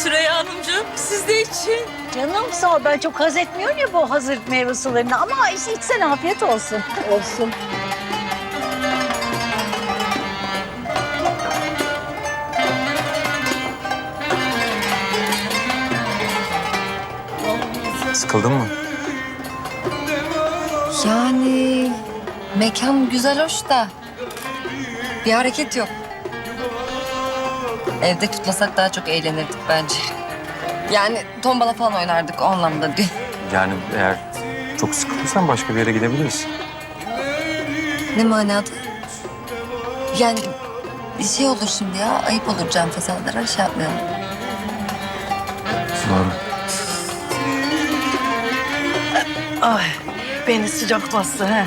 Süreyya Hanımcığım, siz de için. Canım sağ ol. Ben çok haz etmiyorum ya bu hazır meyve sularını. Ama işte içsen afiyet olsun. Olsun. Sıkıldın mı? Yani mekan güzel hoş da bir hareket yok. Evde tutmasak daha çok eğlenirdik bence. Yani tombala falan oynardık o anlamda değil. Yani eğer çok sıkıldıysan başka bir yere gidebiliriz. Ne manada? Yani bir şey olur şimdi ya. Ayıp olur can fesalara şey yapmayalım. Doğru. Ay, beni sıcak bastı he.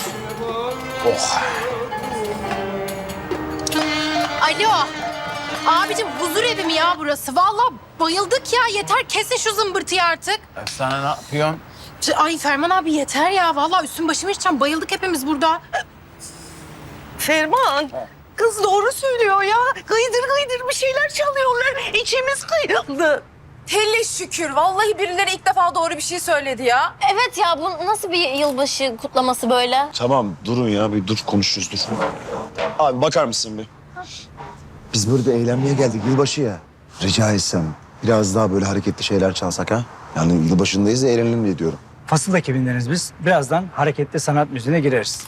Alo. Abicim huzur evi mi ya burası? Vallahi bayıldık ya. Yeter kesin şu zımbırtıyı artık. Efsane ne yapıyorsun? Ay Ferman abi yeter ya. Vallahi üstüm başımı içeceğim. Bayıldık hepimiz burada. Ferman, kız doğru söylüyor ya. Gıydır gıydır bir şeyler çalıyorlar. İçimiz kıyıldı. Hele şükür. Vallahi birileri ilk defa doğru bir şey söyledi ya. Evet ya bu nasıl bir yılbaşı kutlaması böyle? Tamam durun ya bir dur konuşuruz dur. Abi bakar mısın bir? Biz burada eğlenmeye geldik yılbaşı ya. Rica etsem biraz daha böyle hareketli şeyler çalsak ha? Yani yılbaşındayız da eğlenelim diye diyorum. Fasıl ekibindeniz biz. Birazdan hareketli sanat müziğine gireriz.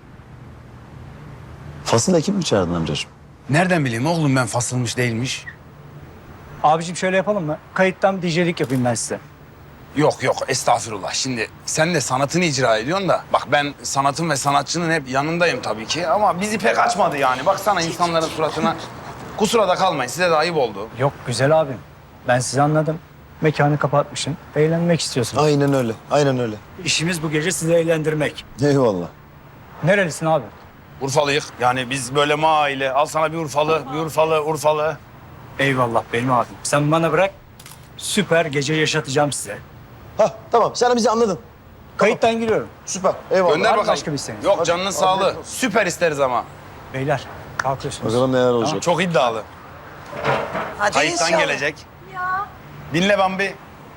Fasıl ekip mi çağırdın amcacığım? Nereden bileyim oğlum ben fasılmış değilmiş. Abicim şöyle yapalım mı? Kayıttan DJ'lik yapayım ben size. Yok yok estağfurullah. Şimdi sen de sanatını icra ediyorsun da. Bak ben sanatın ve sanatçının hep yanındayım tabii ki. Ama bizi pek açmadı yani. Baksana insanların suratına. Kusura da kalmayın size de ayıp oldu. Yok güzel abim. Ben sizi anladım. Mekanı kapatmışsın. Eğlenmek istiyorsun. Aynen öyle, aynen öyle. İşimiz bu gece sizi eğlendirmek. Eyvallah. Nerelisin abi? Urfalıyık. Yani biz böyle aile. Al sana bir Urfalı, bir Urfalı, Urfalı. Eyvallah benim abim. Sen bana bırak. Süper gece yaşatacağım size. Hah tamam sen bizi anladın. Kayıttan giriyorum. Süper eyvallah. Gönder Var mı bakalım. başka bir isteğiniz? Yok canının sağlığı. Süper isteriz ama. Beyler kalkıyorsunuz. Bakalım neler olacak. Çok iddialı. Hadi Kayıttan inşallah. gelecek. Dinle Bambi.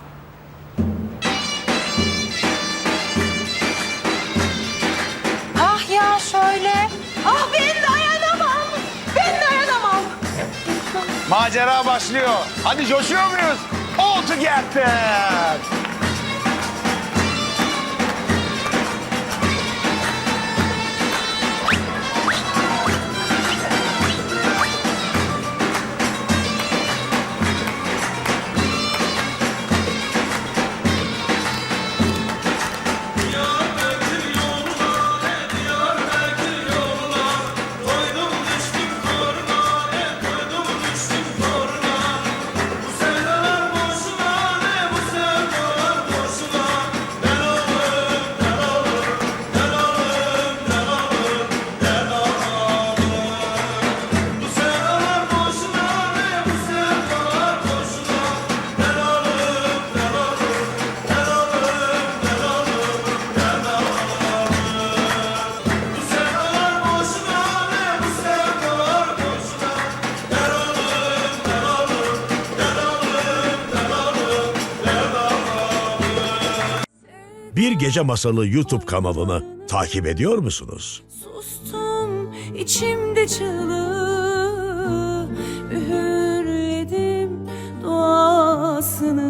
Ah ya şöyle. Ah ben dayanamam. Ben dayanamam. Macera başlıyor. Hadi coşuyor muyuz? All together. Bir Gece Masalı YouTube kanalını takip ediyor musunuz? Sustum içimde çığlığı, üğürledim duasını.